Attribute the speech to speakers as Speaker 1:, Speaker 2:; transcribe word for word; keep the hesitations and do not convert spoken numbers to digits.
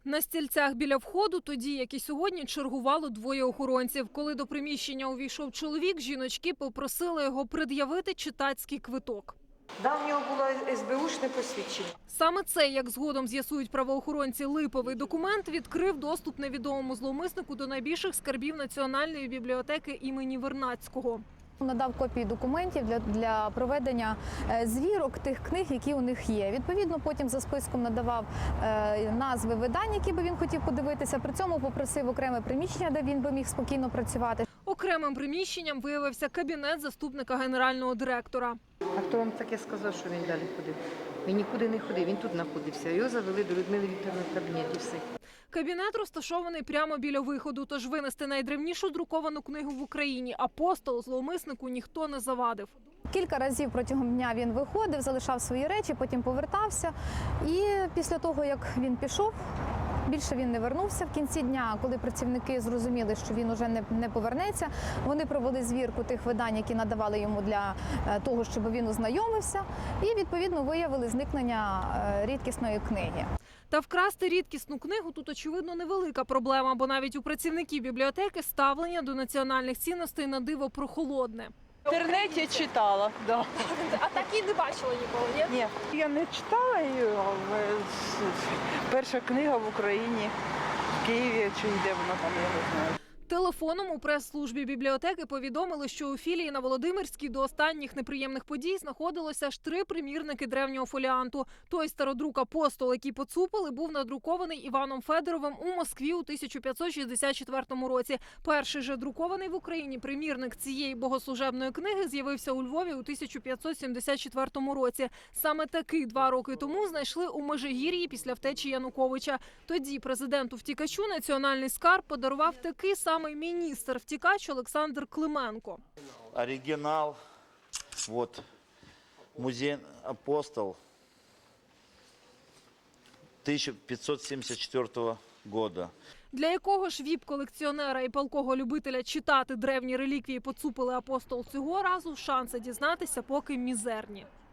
Speaker 1: На стільцях біля входу тоді, як і сьогодні, чергувало двоє охоронців. Коли до приміщення увійшов чоловік, жіночки попросили його пред'явити читацький квиток.
Speaker 2: Да, в нього було ес бе ушне посвідчення.
Speaker 1: Саме це, як згодом з'ясують правоохоронці, липовий документ відкрив доступ невідомому зловмиснику до найбільших скарбів Національної бібліотеки імені Вернадського.
Speaker 3: Надав копії документів для, для проведення звірок тих книг, які у них є. Відповідно, потім за списком надавав е, назви видань, які би він хотів подивитися. При цьому попросив окреме приміщення, де він би міг спокійно працювати.
Speaker 1: Окремим приміщенням виявився кабінет заступника генерального директора.
Speaker 2: А хто вам таке сказав, що він далі ходив? Він нікуди не ходив, він тут знаходився. Його завели до Людмили Вікторівни в кабінет і все.
Speaker 1: Кабінет розташований прямо біля виходу, тож винести найдревнішу друковану книгу в Україні «Апостол» зловмиснику ніхто не завадив.
Speaker 3: Кілька разів протягом дня він виходив, залишав свої речі, потім повертався. І після того, як він пішов, більше він не вернувся. В кінці дня, коли працівники зрозуміли, що він уже не, не повернеться, вони провели звірку тих видань, які надавали йому для того, щоб він ознайомився, і, відповідно, виявили зникнення рідкісної книги.
Speaker 1: Та вкрасти рідкісну книгу тут, очевидно, невелика проблема, бо навіть у працівників бібліотеки ставлення до національних цінностей на диво прохолодне.
Speaker 4: В інтернеті читала, да.
Speaker 1: А так і не бачила ніколи, ні?
Speaker 4: Ні, я не читала її, але перша книга в Україні, в Києві, чи де вона там, я не знаю.
Speaker 1: Телефоном у прес-службі бібліотеки повідомили, що у філії на Володимирській до останніх неприємних подій знаходилося аж три примірники древнього фоліанту. Той стародрук «Апостол», який поцупили, був надрукований Іваном Федоровим у Москві у тисяча п'ятсот шістдесят четвертому році. Перший же друкований в Україні примірник цієї богослужебної книги з'явився у Львові у тисяча п'ятсот сімдесят четвертому році. Саме такий два роки тому знайшли у Межигір'ї після втечі Януковича. Тоді президенту-втікачу національний скарб подарував такий самий міністр-втікач Олександр Клименко.
Speaker 5: Оригинал, вот, музей «Апостол» тисяча п'ятсот сімдесят четвертого года.
Speaker 1: Для якого ж віп-колекціонера і палкого любителя читати древні реліквії поцупили «Апостол» цього разу, шанси дізнатися поки мізерні.